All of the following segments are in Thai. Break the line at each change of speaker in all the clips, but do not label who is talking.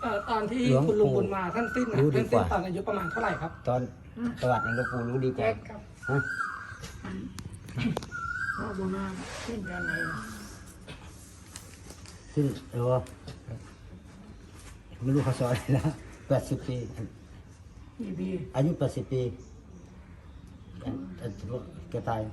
ตอนที่คุณลุงบุญมาท่านสิ้นท่านสิ้นตอนอายุประมาณเท่าไหร่ครับ
ตอนประวัติหลวงปู่รู้ดีกว่าฮะ
พ่อบุญมาสิ้นตอนไหน
ซึ่งไม่รู้เขาสอนอะไรนะ80 ปีอายุ80 ปีแกตาย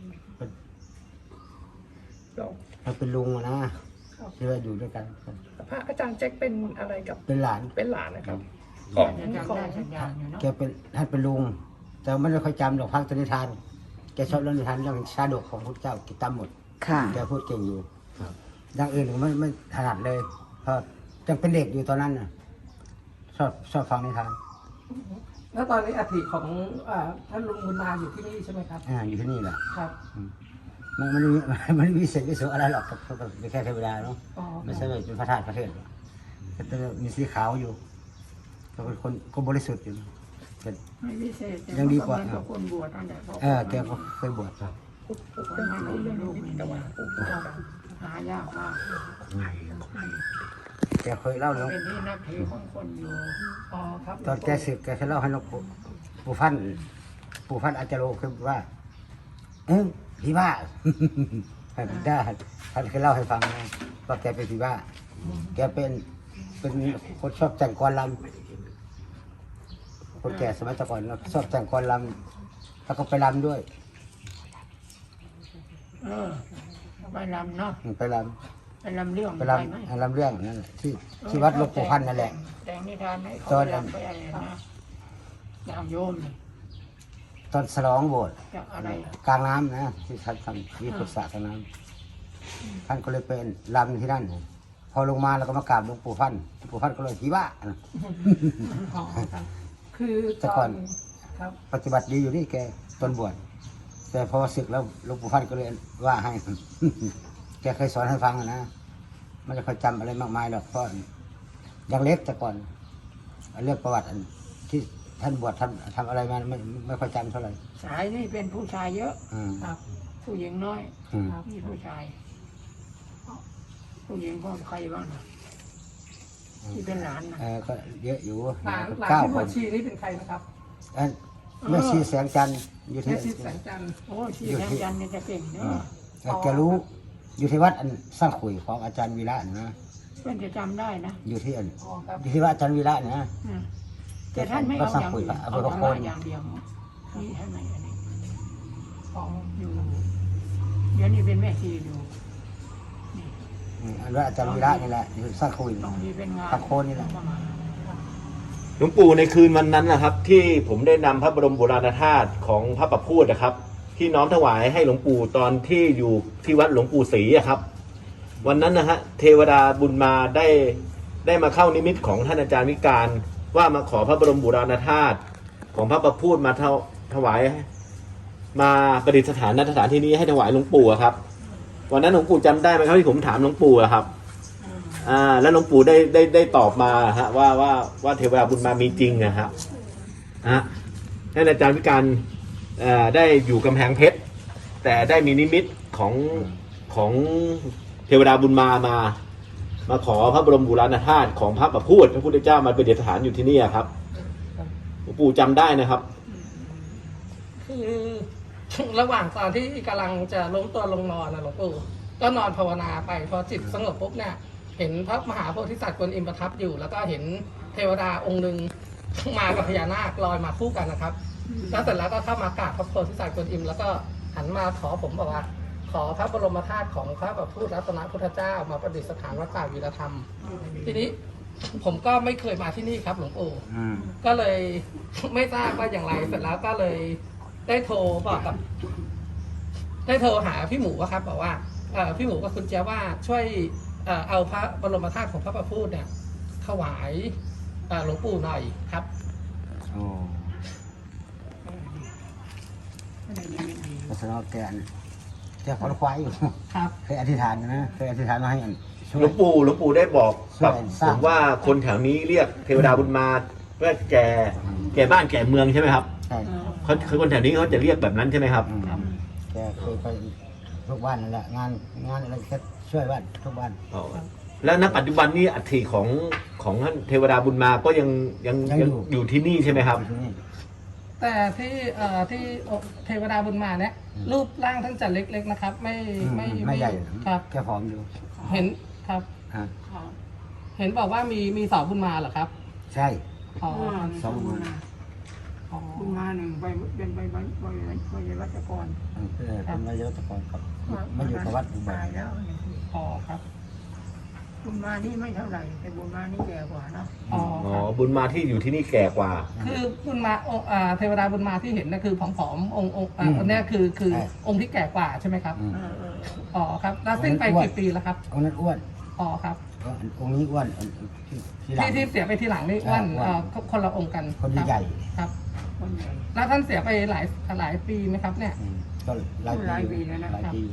เขาเป็นลุงนะที่ว่าอยู่ด้วยกัน
พระอาจารย์แจ็คเป็นอะไรกับ
เป็นหลาน
นะครับ
ของ
แกเป็นท่านเป็นลุงแต่ไม่ได้ค่อยจำหรอกพักนิทานแกชอบเรื่องนิทานเรื่องชาดกของพระเจ้ากิตามหมดแกพูดเก่งอยู่อย่างอื่นผมไม่ถนัดเลยเพราะยังเป็นเด็กอยู่ตอนนั้นน่ะชอบฟังนิทาน
แล้วตอนนี้อัฐิของท่านลุงบุญมาอยู่ที่นี่ใช่ไหมครับ
อยู่ที่นี่แหละ
ครับ
มันมีเศษวิสุอะไรหรอกเป็นแค่เทวดาเนาะไม่ใช่เป็นพระธาตุพระเทศแต่มีสีขาวอยู่ก็เป็นคนบริสุทธิ์อยู่
ไม่พิเศษ
ยังดีกว่า
คนบวชตั้งแต่
แกก็เคยบวชครับ
คนไม่รู้เรื่องลูกนี่แต่ว่าหายากมาก
แกเคยเล่าแล้ว
เป็นที่นับถือของคนอยู่
ครับ
ตอนแกศึกแกเคยเล่าให้หลวงปู่ฟันอาจารย์คือว่าผีบ้าได้ท่านเคยเล่าให้ฟังนะว่าแกเป็นผีบ้าแกเป็นคนชอบแต่งกลอนรำคนแก่สมัยก่อนชอบแต่งกลอนรำแล้วก็ไปรำด้วย
ไปรำเนาะ
ไปร
ำเรื่อง
ไปรำเรื่องนั่นแหละที่วัดหลวงปู่พันนั่นแหละ
แต่งนิทานให้เขารำไปอะไรนะอย่างโยม
ตอนฉลองโบสถ์กลางน้ำนะที่ท่านทำที่ปรึกษากลางน้ำท่านก็เลยเป็นรำที่นั่นพอลงมาแล้วก็มากราบหลวงปู่พันก็เลยผีบ้า
คือ
แต่ก่อนปฏิบัติดีอยู่นี่แกตอนบวชแต่พอศึกแล้วหลวงปู่พันก็เลยว่าให้แกเคยสอนให้ฟังนะไม่ได้ค่อยจำอะไรมากมายหรอกเพราะยังเล็กแต่ก่อนเรื่องประวัติที่ท่านบวชทำอะไรมาไม่ค่อยจำเท่าไหร่
สายนี่เป็นผู้ชายเยอะครับผู้หญิงน้อยมีผู้ชายผู้หญิงก็ใครบ้างที่เป็นหลานนะ
ก็เยอะอยู่
หลานที่บวชชีนี่เป็นใครนะครับ
แม่ชีแสงจันทร์อยู่ที่
แม่ชีแสงจันทร์
โอ้ชีแสงจันทร์เนี่ยจะเก่งเนาะ
แกรู้อยู่ที่วัดสร้างขุยของอาจารย์วีระนะ
เพื่อนจะจำได้นะ
อยู่ที่วัดอาจารย์วีระนะ
แต่ท่านไม่เอาอย่างอื่นเอาธรรมะอย่างเดียวนี่ให้ไหมอันนี้อยู่เดี๋ยวนี้เป็นแม่ชีอยู่
อันว่าอาจารย์วีระนี่แหละอยู่สร้างขุยตะโคนนี่แหละ
หลวงปู่ในคืนวันนั้นนะครับที่ผมได้นำพระบรมโบราณธาตุของพระประพูดนะครับที่น้อมถวายให้หลวงปู่ตอนที่อยู่ที่วัดหลวงปู่ศรีครับวันนั้นนะฮะเทวดาบุญมาได้มาเข้านิมิตของท่านอาจารย์วิการว่ามาขอพระบรมโบราณธาตุของพระประพูดมาถวายมาประดิษฐานณสถานที่นี้ให้ถวายหลวงปู่ครับวันนั้นหลวงปู่จำได้ไหมครับที่ผมถามหลวงปู่ครับแล้วหลวงปู่ได้ตอบมาฮะว่าเทวดาบุญมามีจริงนะครับท่านอาจารย์วิการได้อยู่กำแพงเพชรแต่ได้มีนิมิตของเทวดาบุญมาขอพระบรมโบราณธาตุของพระประพูดพระพุทธเจ้ามาประดิษฐานอยู่ที่นี่ครับหลวงปู่จำได้นะครับ
คือระหว่างตอนที่กำลังจะล้มตัวลงนอนนะหลวงปู่ก็นอนภาวนาไปพอจิตสงบปุ๊บเนี่ยเห็นพระมหาโพธิสัตว์กวนอิมประทับอยู่แล้วก็เห็นเทวดาองค์หนึ่งมากับพญานาคลอยมาคู่กันนะครับแล้วเสร็จแล้วก็เข้ามากราบพระโพธิสัตว์กวนอิมแล้วก็หันมาขอผมบอกว่าขอพระบรมธาตุของพระประพูดรัตนพุทธเจ้ามาประดิษฐานวัดป่าวีรธรรมทีนี้ผมก็ไม่เคยมาที่นี่ครับหลวงปู่ก็เลยไม่ทราบว่าอย่างไรเสร็จแล้วก็เลยได้โทรหาพี่หมูครับบอกว่าพี่หมูกับคุณเจ้าว่าช่วยเอาพระบรมธาตุของพระประพูดเนี่ยถวายหลวงปู่หน่อยครับ
ก็แสดงว่าแกขอควายอยู่ครับเคยอธิษฐานนะเคยอธิษฐานมาให้
หลวงปู่ได้บอกกับผมว่าคนแถวนี้เรียกเทวดาบุญมาเพื่อแก่บ้านแก่เมืองใช่ไหมครับ
ใช่
คนแถวนี้เขาจะเรียกแบบนั้นใช่ไหมครับ
แกเคยไปทุกวันนั่นแหละงานอะไรก็ช่วยบ้านทุกวัน
แล้วณปัจจุบันนี้อัฐิขของท่านเทวดาบุญมาก็ยังอยู่ที่นี่ใช่ไหมครับ
ที่นี่
แต่ที่เทวดาบุญมาเนี่ยรูปร่างท่านจะเล็กๆนะครับ
ไม่ใหญ่
ครับ
แค่ผอมอยู่
เห็นครับ
ฮะ
ครับ
เห็นบอกว่ามีสาวบุญมาเหรอครับ
ใช่
อ๋อ
สองบุญมา
อ๋อ
บุญมาหนึ่งไปเป็นไปวัชกร
เป็นนายกตะกอนครับไม่อยู่กับวัดอุบา
ตายแล้วเนี่ย
อ๋อครับ
บุญมานี่ไม่เท่าไหร่แต่บุญมานี่แก่กว่าเนาะ
อ๋อ
อ๋อ
ครับ
บุญมาที่อยู่ที่นี่แก่กว่า
คือบุญมาเทวดาบุญมาที่เห็นนะคือผอมๆองค์อันเนี้ยคือองค์ที่แก่กว่าใช่ไหมครับ
เออ
อ๋อครับแล้วสิ้นไปกี่ปีแล้วครับ
องค์นั้นอ้วน
อ๋อครับ
องค์นี้อ้วนที่หลัง
ที่เสียไปทีหลังนี่อ้วน
อ้วน
คนละองค์กัน
คน
รับ
ใหญ่
ครับ
คนใหญ่
แล้วท่านเสียไปหลายปีไหมครับเนี่ย
ก็หลาย
หลายปี
ปี
แล้วนะ
หลายปี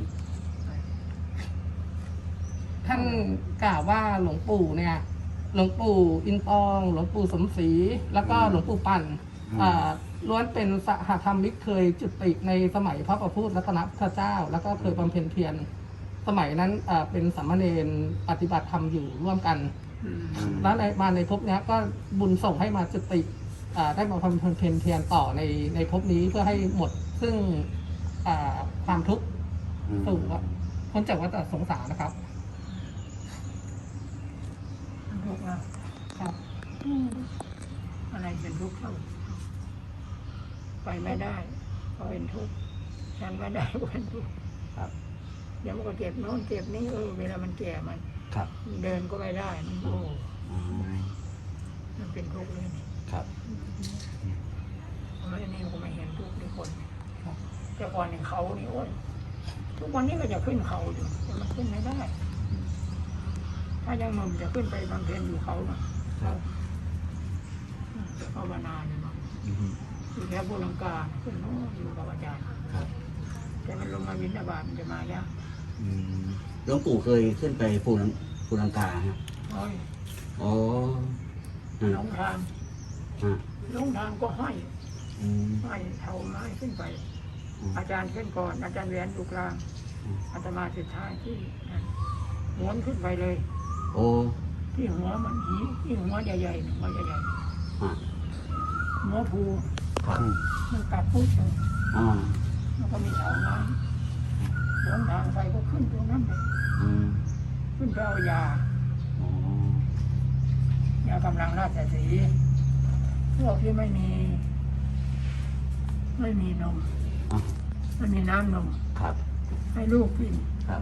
ท่านกล่าวว่าหลวงปู่เนี่ยหลวงปู่อินตองหลวงปู่สมศรีแล้วก็หลวงปู่ปั่นล้วนเป็นสหธรรมิกเคยจุติในสมัยพระประพูดรัตนพุทธเจ้า แล้วก็เคยบำเพ็ญเพียรสมัยนั้นเป็นสามเณรปฏิบัติธรรมอยู่ร่วมกัน
อืม
แล้วในภพเนี้ยก็บุญส่งให้มาจุติได้มาบำเพ็ญเพียรต่อในภพนี้เพื่อให้หมดซึ่งความทุกข์สู่พ้นจากวัฏสงสารนะครับ
ทุกข์นะครับ อะไรเป็นทุกข์เท่าไปไม่ได้ก็เป็นทุกข์ฉันไม่ได้ก็เป็นทุกข์
ครับ
เดี๋ยวมันก็เจ็บโน้นเจ็บนี้เวลามันแก่มัน
ครับ
เดินก็ไม่ได้มันมันเป็นทุกข์เลยนี่
ครับ
เพราะอันนี้ก็ไม่เห็นทุกข์ในคนแต่ก่อนในเขานี่โอ้ยทุกวันนี้ก็จะขึ้นเขาอยู่แต่มันขึ้นไม่ได้ ถ้ายังหนุ่มจะขึ้นไปบำเพ็ญอยู่เขาน่ะภาวนาเนี่ยมั้งอยู่แค่บุรังกาขึ้นโน้นอยู่กับอาจารย์แต่มันลงมาวินทบาทมันจะมายาก
หลวงปู่เคยขึ้นไปภูลังกาฮะ
โอ้ย
อ๋อ
หลงทาง
ฮะ
หลงทางก็ห้อย
อืม
ห้อยเท่าไม้ขึ้นไป
อืม
อาจารย์ขึ้นก่อน อาจารย์แหวนอยู่กลาง
อืม
อาตมาสุดท้ายที่นั่นหวนขึ้นไปเลย
โอ้
ที่หัวมันที่หัวใหญ่ๆหัวใหญ่
ฮะ
ๆหัวภู
ครับ
มันกัดปุ๊บเลย
อ๋อ
แล้วก็มีเสาไม้หลงทางไปก็ขึ้นตรงนั้นเลย
อืม
ขึ้นไปเอายา
อ๋อย
ากำลังราชสีห์พวกที่ไม่มีนม
อ่ะ
ไม่มีน้ำนม
ครับ
ให้ลูกกิน
ครับ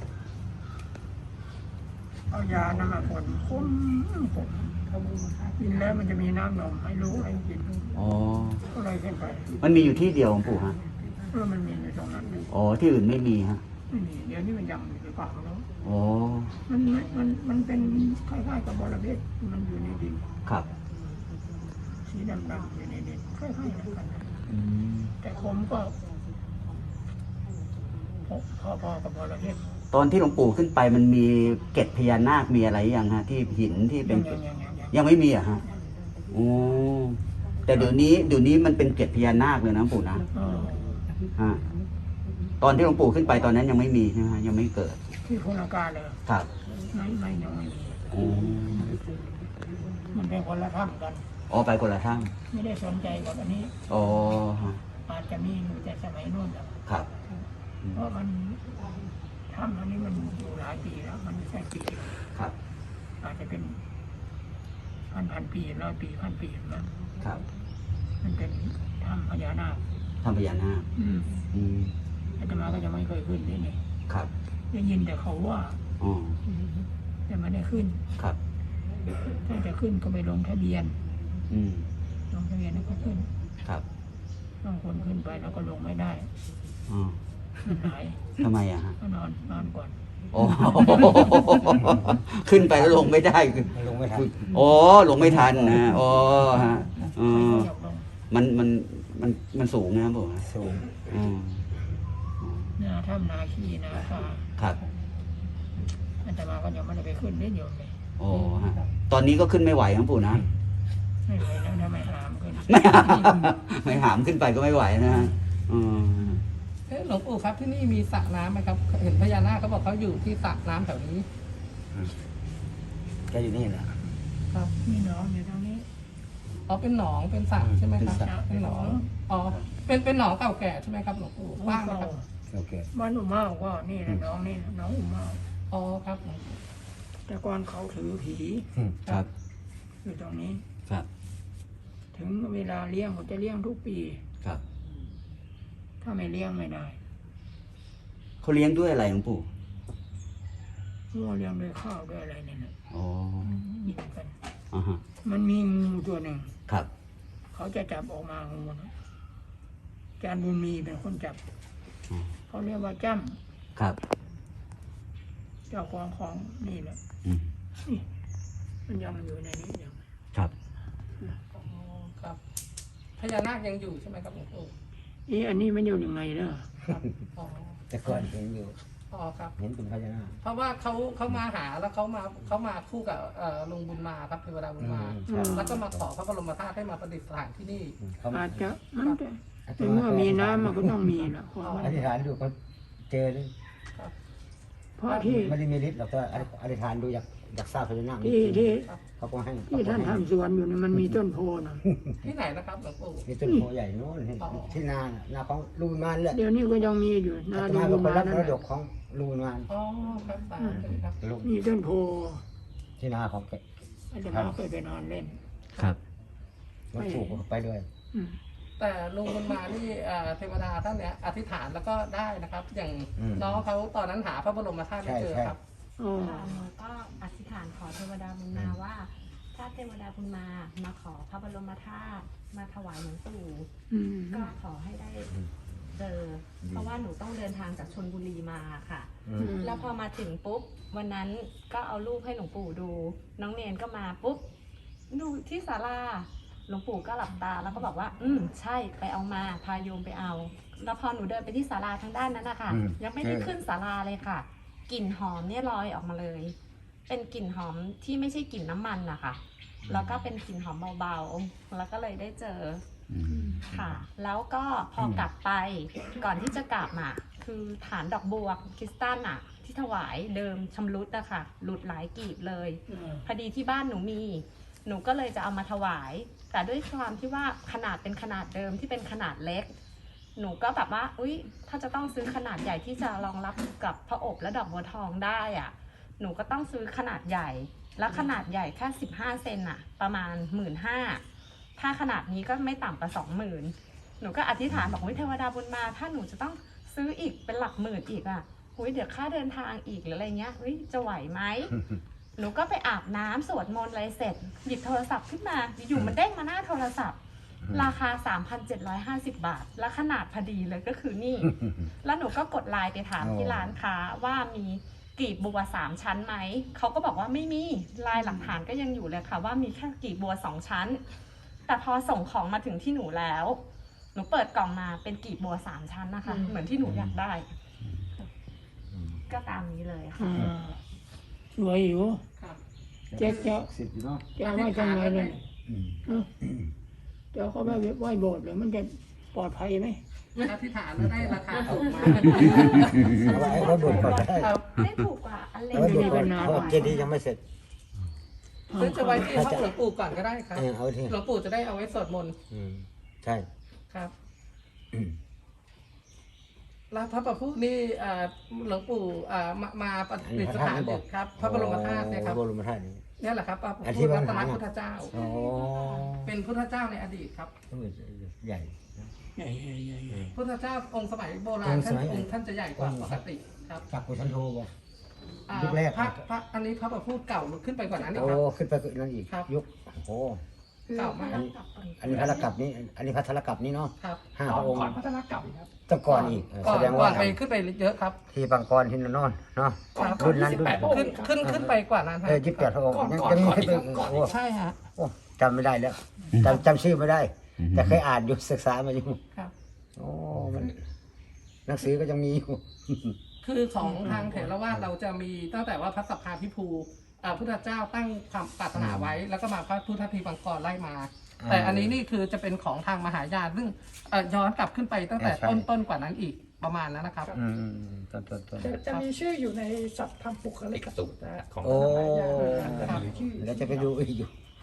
เอายานำมาผลคุ้มกินแล้วมันจะมีน้ำนมให้ลูกให้กิน
อ๋อ
ก็เลยขึ้นไป
มันมีอยู่ที่เดียวหลวงปู่ฮะ
มันมีอยู่ตรงนั้นอยู่
อ๋อ ที่อื่นไม่มีฮะ
ไม่มีเดี๋ยวนี้มันยังอยู่หรือเปล่าแล้ว
อ๋อ
มันเป็นคล้ายๆกับบอระเพ็ดมันอยู่ในดิน
ครับ
สีดำๆอยู่ในดินคล้ายๆกัน
อืม
แต่คมก็พอๆกับบอระเพ็ด
ตอนที่หลวงปู่ขึ้นไปมันมีเกล็ดพญานาคมีอะไรยังฮะ ที่หินที่เป็น ยังไม่มีอะฮะโอ้แต่เดี๋ยวนี้มันเป็นเกล็ดพญานาคเลยนะหลวงปู่นะ ฮะ ตอนที่หลวงปู่ขึ้นไปตอนนั้นยังไม่มีใช่ไหมฮะยังไม่เกิด
ที่โคราชเลย
ครับ
ไม่ยังไม่มี
โอ้
มันเป็นคนละถ้ำกัน
อ๋อไปคนละทั้ง
ไม่ได้สนใจกับอันนี้
อ๋อฮะ
อาจจะมีอยู่แต่สมัยโน้นแหละ
ครับ
เพราะมันถ้ำอันนี้มันอยู่หลายปีแล้ว มันไม่ใช่ปีเดียว
ครับ
อาจจะเป็นพันปี100 ปีพันปีแล้ว
ครับ
มันเป็นถ้ำพญานาค
ทำพญานาค อืม
อาตมาก็จะไม่เคยขึ้นที่นี่
ครับ
ได้ยินแต่เขาว่า
อ๋อ
แต่ไม่ได้ขึ้น
ครับ
ถ้าจะขึ้นก็ไปลงทะเบียน
อืม
ลงทะเบียนแล้วก็ขึ้น
ครับ
บางคนขึ้นไปแล้วก็ลงไม่ได้
อ๋อ
มันหาย
ทำไมอะฮะ
ก็นอนก่อน
โอ้ ขึ้นไปแล้วลงไม่ได้คือ
ลงไม่ทัน
อ๋อลงไม่ทันนะอ๋อฮะอ๋อ
ไม่อยากลง
มันสูงนะครับผม
สูง
อืม
นาถ้ำนาคีนาคา
ครับ
อาตมาก็ยังไม่ได้ไปขึ้นได้โยมเลย
โอ้ฮะตอนนี้ก็ขึ้นไม่ไหวครับปู่นะ
ไม่ไหวแล้วถ้าไม่หามขึ้น
ไม่หามขึ้นไปก็ไม่ไหวนะฮะอืม
หลวงปู่ครับที่นี่มีสระน้ำไหมครับเห็นพญานาคเขาบอกเขาอยู่ที่สระน้ำแถวนี้
แกอยู่นี่แหละ
อครับ
มีน้องอยู่ตรงนี้
อ๋อเป็นหนองเป็นสระใช่ไหมครับ
เป็นสระ
เป็นหนองอ๋อเป็นหนองเก่าแก่ใช่ไหมครับหลวงปู่ว่างไหมครับ
โอเค
บ้านอุมาก็นี่นะน้องนี่นะน้องอุมา
อ๋อครับหลวงปู่
แต่ก่อนเขาถือผี
ครับ
อยู่ตรงนี้
ครับ
ถึงเวลาเลี้ยงผมจะเลี้ยงทุกปี
ครับ
ถ้าไม่เลี้ยงไม่ได้
เขาเลี้ยงด้วยอะไรหลวงปู่
มั่วเลี้ยงด้วยข้าวด้วยอะไรเนี่ยนะ
อ๋อ
กินกัน
อ่าฮะ
มันมีงูตัวหนึ่ง
ครับ
เขาจะจับออกมางูนะอาจารย์บุญมีเป็นคนจับ
อ๋อ
เขาเรียกว่าจ้
ครับ
ำเจ้าของนี่แหละ
อืม
นี่มันยังอยู่ในนี้ยัง
ครับ
อ๋อครับพญานาคยังอยู่ใช่ไหมครับหลวงปู่
อันนี้มันอยู่ยังไงเนอะ
ครับอ๋อ
แต่ก่อนเห็นอยู่
อ๋อครับ
เห็นเป็นพญานาค
เพราะว่าเขามาหาแล้วเขามาคู่กับลุงบุญมาครับเทวดาบุญมา
ใช่
แล้วก็มาขอพระบรมธาตุให้มาประดิษฐานที่นี่
เขา
อาจจะมันจะแต่เมื่อมีน้ำมันก็ต้องมีแหละความมัน
อธิษฐานดูเขาเจอเลย
เพราะที่
ไม่ได้มีฤทธิ์หรอกแต่อธิษฐานดูอยากทราบพญานาค
ที่
เขาก็ให้
ที่ท่านทำสวนอยู่นี่มันมีต้นโพนะ
ที่ไหนนะครับหลวงปู่
มีต้นโพใหญ่โน้นเห็นที่นาน่ะนาของลูกมานแหละ
เดี๋ยวนี้ก็ยังมีอยู่นา
อาต
ดู
มาก็ไป
มา
รับ
นั่น
มร
แห
ด
ละ
กของลูกมาน
อ๋อครับสาธุครับ
ลูก
มีต้นโพ
ที่นาของแก
อาจจะมาเคยไปนอนเล่น
ครับ
รถถูกไปด้วย
อืม
แต่ลุงบุญมานี่เทวดาท่านเนี้ยอธิษฐานแล้วก็ได้นะครับ อย่าง
อืม
น้องเขาตอนนั้นหาพระบรมธาตุไม่เจอ
ใช่
ครับ
อ๋อ
ค่ะหนูก็อธิษฐานขอเทวดาบุญมาว่า ถ้าเทวดาบุญมาขอพระบรมธาตุมาถวายหลวงปู่
อืม
ก็ขอให้ได้เจอ เพราะว่าหนูต้องเดินทางจากชลบุรีมาค่ะ
อืม
แล้วพอมาถึงปุ๊บวันนั้นก็เอารูปให้หลวงปู่ดู น้องเนนก็มาปุ๊บดูที่ศาลาหลวงปู่ก็หลับตาแล้วก็บอกว่า ใช่ไปเอามาพาโยมไปเอา แล้วพอหนูเดินไปที่ศาลาทางด้านนั้นนะคะ
อืม
ยังไม่ได้ขึ้นศาลาเลยค่ะกลิ่นหอมเนี่ยลอยออกมาเลย เป็นกลิ่นหอมที่ไม่ใช่กลิ่นน้ำมันนะคะแล้วก็เป็นกลิ่นหอมเบาๆแล้วก็เลยได้เจอ
อืม
ค่ะ แล้วก็พอกลับไปก่อนที่จะกลับอ่ะคือฐานดอกบัวคริสตัลอ่ะ ที่ถวายเดิมชำรุดอะค่ะหลุดหลายกีบเลย พอดีที่บ้านหนูมี หนูก็เลยจะเอามาถวาย แต่ด้วยความที่ว่าขนาดเป็นขนาดเดิมที่เป็นขนาดเล็ก หนูก็แบบว่าอุ๊ยถ้าจะต้องซื้อขนาดใหญ่ที่จะรองรับกับพระอบและดอกบัวทองได้อ่ะ หนูก็ต้องซื้อขนาดใหญ่ แล้วขนาดใหญ่แค่15 เซนอะประมาณ 15,000ถ้าขนาดนี้ก็ไม่ต่ำกว่า20,000หนูก็อธิษฐานบอกวิเทวดาบุญมา ถ้าหนูจะต้องซื้ออีกเป็นหลักหมื่นอีกอ่ะอุ๊ยเดี๋ยวค่าเดินทางอีกหรืออะไรเงี้ยอุ๊ยจะไหวไหม หนูก็ไปอาบน้ำสวดมนต์อะไรเสร็จ หยิบโทรศัพท์ขึ้นมาอยู่มันเด้งมาหน้าโทรศัพท์ ราคา 3,750 บาท และขนาดพอดีเลยก็คือนี่ แล้วหนูก็กดไลน์ไปถามที่ร้านค้าว่ามีกลีบบัว3 ชั้นไหม เขาก็บอกว่าไม่มีลายหลักฐานก็ยังอยู่เลยค่ะว่ามีแค่กลีบบัว2 ชั้น แต่พอส่งของมาถึงที่หนูแล้ว หนูเปิดกล่องมาเป็นกลีบบัว3 ชั้นนะคะ เหมือนที่หนูอยากได้ ก็ตามนี้เลยค่ะ
อ่าสวยอยู่
ครับ
เจ๊เจ้า
สิบอยู่เนาะ
จะเอาไว้ทำไงเลย
อืม
เออเจ้าเขาไปไหว้โบสถ์เลยมันจะปลอดภัยไหม
อธิษฐานแล้วได้ราคาถูกมา
เอาไว้ให้บุญก่อนก็ได้
ครับ
ได้ถูกกว่าอันเล็ก
เอาไว้บุญก่อน
นาน
เพราะเจดีย์ยังไม่เสร็จ
หรือจะไว้ที่ห้องหลวงปู่ก่อนก็ได้ครับ
เอาไว้ที่
หลวงปู่จะได้เอาไว้สวดมนต์
อืมใช่
ครับ
อืม
แล้วพระประพุนี่หลวงปู่มาประดิษฐานอยู่ครับ พระบรมธาตุเนี่ยครับ
พระบรมธาตุนี่
เนี่ยแหละครับพระ
อันที่
พุทธ
ว่า
รัตน
หา
พุทธเจ้า
อ๋อ
เป็นพุทธเจ้าในอดีตครับ
ใหญ่
ใหญ่ใหญ่ใหญ่ใหญ่
พุทธเจ้าองค์สมัยโบรา
อ
ณ
งค์ส
ท่าน
มัย
องค์ท่านจะใหญ่กว่าปกติครับ
จักกุชันโทบ่
อ่า
ยุคแรก
พระอันนี้พระประพุขึ้นไปกว่านั้นอีก
โอ้
ครับ
ขึ้นไปนั่นอีก
ครับ
ยุคโอ้
เก่ามาก
อันนี้พระละกับนี้ อันนี้พระธรกับนี้เนาะ
ครับ
5 พระองค์
พัฒนากรรมครับ
ต้องก่อนอีก
ก่อ
แส
น
ดง
ก่อ
ว่าน
ไปขึ้นไปเยอะครับ
ที่บางกรที่นนอนเนาะ
ครับ
รุ่นนั้นรุ่น
ขึ้นไปกว่านั้นครับ
28 พระองค์ยังมีขึ้นไปโอ้
ใช่ฮะ
โอ้จำไม่ได้แล้วจำชื่อไม่ได้ แต่เคยอ่านอยู่ศึกษามาอยู่
ครับ
โอ้มันหนังสือก็ยังมีอยู่
คือของทางเถรวาทเราจะมีตั้งแต่ว่าพระสัพพาภิภูพุทธเจ้าตั้งความปรารถนาไว้ แล้วก็มาพระพุทธทีบังกรไล่มา แต่อันนี้นี่คือจะเป็นของทางมหายานซึ่งย้อนกลับขึ้นไปตั้งแต่
ใช่
ต้นกว่านั้นอีกประมาณนั้นนะครับ
อืมต้น
จะมีชื่ออยู่ในสัพทำปุคลิกสูตรนะฮะของ
โอ้
มหายานจะมีชื่อ
แล้วจะไปดูอีกอยู่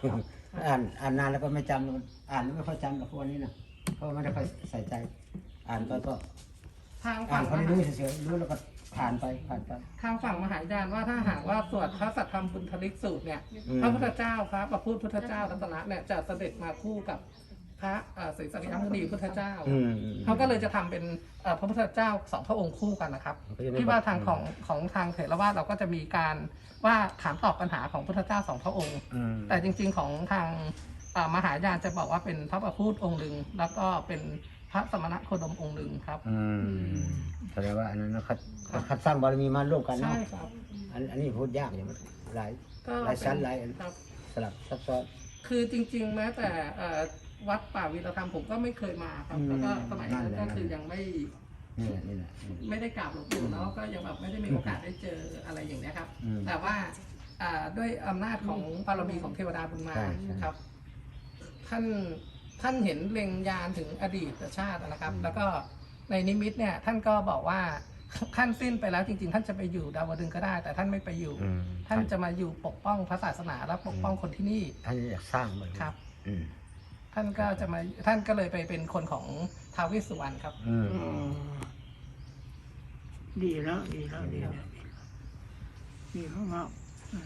อ่านนานแล้วก็ไม่จำอ่านแล้วไม่ค่อยจำหรอกพวกนี้นะเพราะไม่ได้ค่อยใส่ใจ อ่านไปก็
ทาง
อ่า
ฝั่
น
ง
พอได้รู้เฉยๆรู้แล้วก็ผ่านไป
ทางฝั่งมหายานว่าถ้าหากว่าสวดพระสัทธรรมบุญทลิกสูตรเนี่ยพระพุทธเจ้าพระประพุทธพุทธเจ้ารัตนะเนี่ยจะเสด็จมาคู่กับพระศรีสักยมุนีพุทธเจ้าเขาก็เลยจะทำเป็นพระพุทธเจ้าสองพระองค์คู่กันนะครับที่ว่าทางของทางเถรวาทเราก็จะมีการว่าถามตอบปัญหาของพุทธเจ้าสองพระองค์ แต่จริงๆของทางมหายานจะบอกว่าเป็นพระประพุทธองค์หนึ่งแล้วก็เป็นพระสมณโคดมองค์หนึ่งครับ
แสดงว่าอันนั้นเขาคัดสร้างบารมีมาร่วมกัน
ใช่
เนาะ
ครับ
อันนี้พูดยากอย่างมันหลาย
ก็
หลายชั้นหลาย
ครับ
สลับซับซ้อน
คือจริงๆแม้แต่วัดป่าวีรธรรมผมก็ไม่เคยมาครับแล้วก็สมัยนั้นก็คือยังไม่
นี่แหละ
ไม่ได้กราบหลวงปู่เนาะก็ยังแบบไม่ได้มีโอกาสได้เจออะไรอย่างเนี้ยครับ
อืม
แต่ว่าด้วยอำนาจของบารมีของเทวดาบุญมา
ใช่
นะครับ ท่านเห็นเล็งยานถึงอดีตชาตินะครับ แล้วก็ในนิมิตเนี่ยท่านก็บอกว่าท่านสิ้นไปแล้วจริงๆ ท่านจะไปอยู่ดาวดึงส์ก็ได้ แต่ท่านไม่ไปอยู่ ท่านจะมาอยู่ปกป้องพระศาสนาและปกป้องคนที่นี่
ท่านอยากสร้างมัน
ครับ
อืม
ท่านก็เลยไปเป็นคนของท้าวเวสสุวรรณครับ
อืม
ดีแล้วดีมาก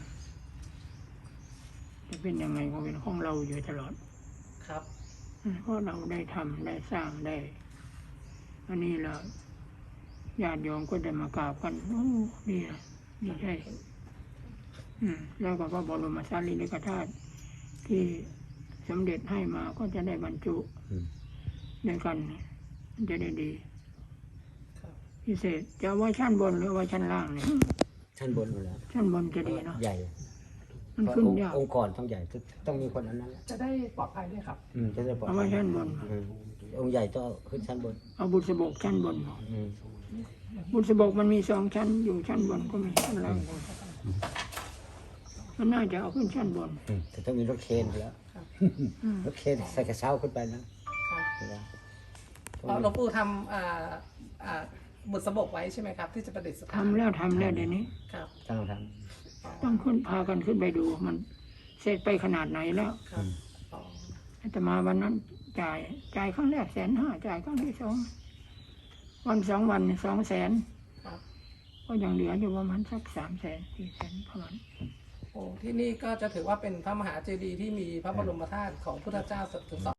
จะเป็นยังไงก็เป็นของเราอยู่ตลอด
ครับ
เพราะเราได้ทำได้สร้างได้ อันนี้เราญาติโยมก็ได้มากราบกันโอ้ดีนะดีใจแล้วก็พระบรมสารีริกธาตุที่สมเด็จให้มาก็จะได้บรรจุด้วยกันมันจะได้ดี
ครับ
พิเศษจะเอาไว้ชั้นบนหรือไว้ชั้นล่างเนี่ย
ชั้นบนอยู่แล้ว
ชั้นบนจะดีเนาะ
ใหญ่
มัน
เพราะ
ขึ้นยาก
องค์กรต้องใหญ่ต้องมีคนอันนั้นแหละ
จะได้ปลอดภัยด้วยครับ
จะได้ปลอด
เอา
ภั
ไว้
ย
ชั้นบน
องค์ใหญ่ต้องขึ้นชั้นบน
เอาบุษบกชั้นบน
อืม
บุษบกมันมี2 ชั้นอยู่ชั้นบนก็มีชั้นล่างก็มีมันน่าจะเอาขึ้นชั้นบน
แต่ต้องมีรถเคนแล้ว รถเคนใส่กระเช้าขึ้นไปนะ
หลวงปู่ทำบุษบกไว้ใช่ไหมครับ ที่จะประดิษฐาน
ทำแล้วเดี๋ยวนี้
ครับ
ต้องท
ต้องขึ้นพากันขึ้นไปดู มันเสร็จไปขนาดไหนแล้ว
ครับอ๋อ
อาตมาวันนั้นจ่ายครั้งแรก150,000จ่ายครั้งที่2 วัน2 วัน200,000
ครับ
ก็ยังเหลืออยู่ประมาณสัก300,000 400,000ประมาณ
โอ้ที่นี่ก็จะถือว่าเป็นพระมหาเจดีย์ที่มีพระบรมธาตุของพุทธเจ้าถึง2